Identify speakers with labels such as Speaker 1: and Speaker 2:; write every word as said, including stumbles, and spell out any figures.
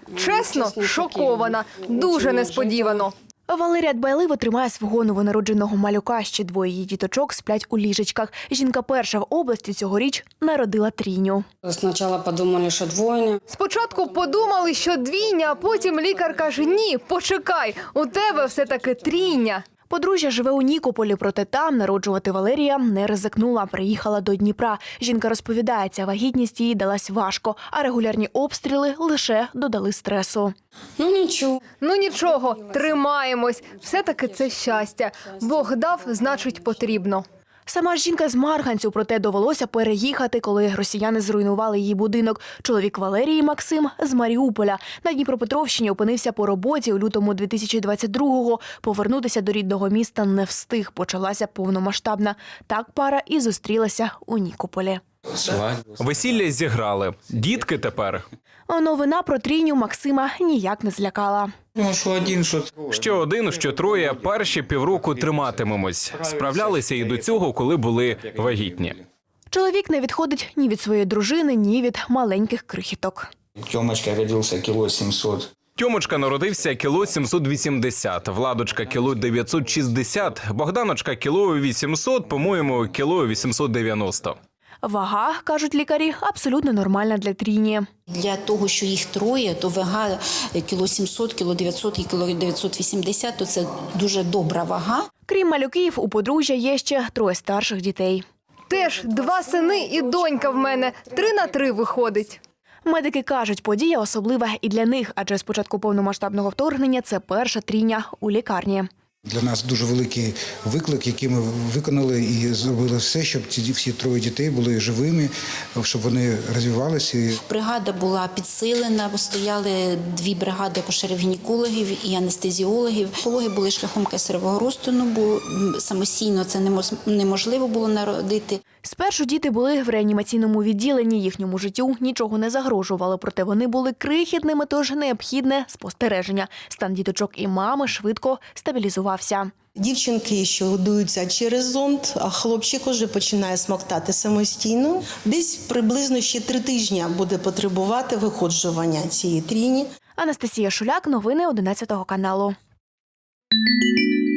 Speaker 1: Чесно, шокована. Дуже несподівано.
Speaker 2: Валерія дбайливо тримає свого новонародженого малюка. Ще двоє її діточок сплять у ліжечках. Жінка перша в області цьогоріч народила трійню.
Speaker 3: Спочатку подумали, що двойня.
Speaker 1: Спочатку подумали, що двійня, а потім лікар каже: ні, почекай, у тебе все-таки трійня.
Speaker 2: Подружжя живе у Нікополі, проте там народжувати Валерія не ризикнула. Приїхала до Дніпра. Жінка розповідає, ця вагітність їй далась важко, а регулярні обстріли лише додали стресу.
Speaker 3: Ну нічого.
Speaker 1: Ну нічого, тримаємось. Все-таки це щастя. Бог дав, значить потрібно.
Speaker 2: Сама ж жінка з Марганцю, проте довелося переїхати, коли росіяни зруйнували її будинок. Чоловік Валерії Максим з Маріуполя. На Дніпропетровщині опинився по роботі у лютому дві тисячі двадцять другого. Повернутися до рідного міста не встиг. Почалася повномасштабна. Так пара і зустрілася у Нікополі.
Speaker 4: Весілля зіграли. Дітки тепер.
Speaker 2: Новина про трійню Максима ніяк не злякала.
Speaker 5: Ну, що один, що
Speaker 4: Що один, що троє, перші півроку триматимемось. Справлялися і до цього, коли були вагітні.
Speaker 2: Чоловік не відходить ні від своєї дружини, ні від маленьких крихіток.
Speaker 5: Тьомочка родився кіло сімсот.
Speaker 4: Тьомочка народився кіло сімсот вісімдесят, Владочка кіло дев'ятсот шістдесят, Богданочка кіло вісімсот, по-моєму, кіло вісімсот дев'яносто.
Speaker 2: Вага, кажуть лікарі, абсолютно нормальна для трійні.
Speaker 6: Для того, що їх троє, то вага кіло сімсот, кіло дев'ятсот і кіло дев'ятсот вісімдесят, то це дуже добра вага.
Speaker 2: Крім малюків, у подружжя є ще троє старших дітей.
Speaker 1: Теж два сини і донька в мене. Три на три виходить.
Speaker 2: Медики кажуть, подія особлива і для них, адже з початку повномасштабного вторгнення це перша трійня у лікарні.
Speaker 7: Для нас дуже великий виклик, який ми виконали і зробили все, щоб ці всі троє дітей були живими, щоб вони розвивалися.
Speaker 6: Бригада була підсилена, бо стояли дві бригади акушерів-гінекологів і анестезіологів. Пологи були шляхом кесаревого розтину, бо самостійно це неможливо було народити.
Speaker 2: Спершу діти були в реанімаційному відділенні, їхньому життю нічого не загрожувало, проте вони були крихітними, тож необхідне спостереження. Стан діточок і мами швидко стабілізувався.
Speaker 8: Дівчинки, що годуються через зонд, а хлопчик уже починає смоктати самостійно. Десь приблизно ще три тижні буде потребувати виходжування цієї трійні.
Speaker 2: Анастасія Шуляк, новини одинадцятого каналу.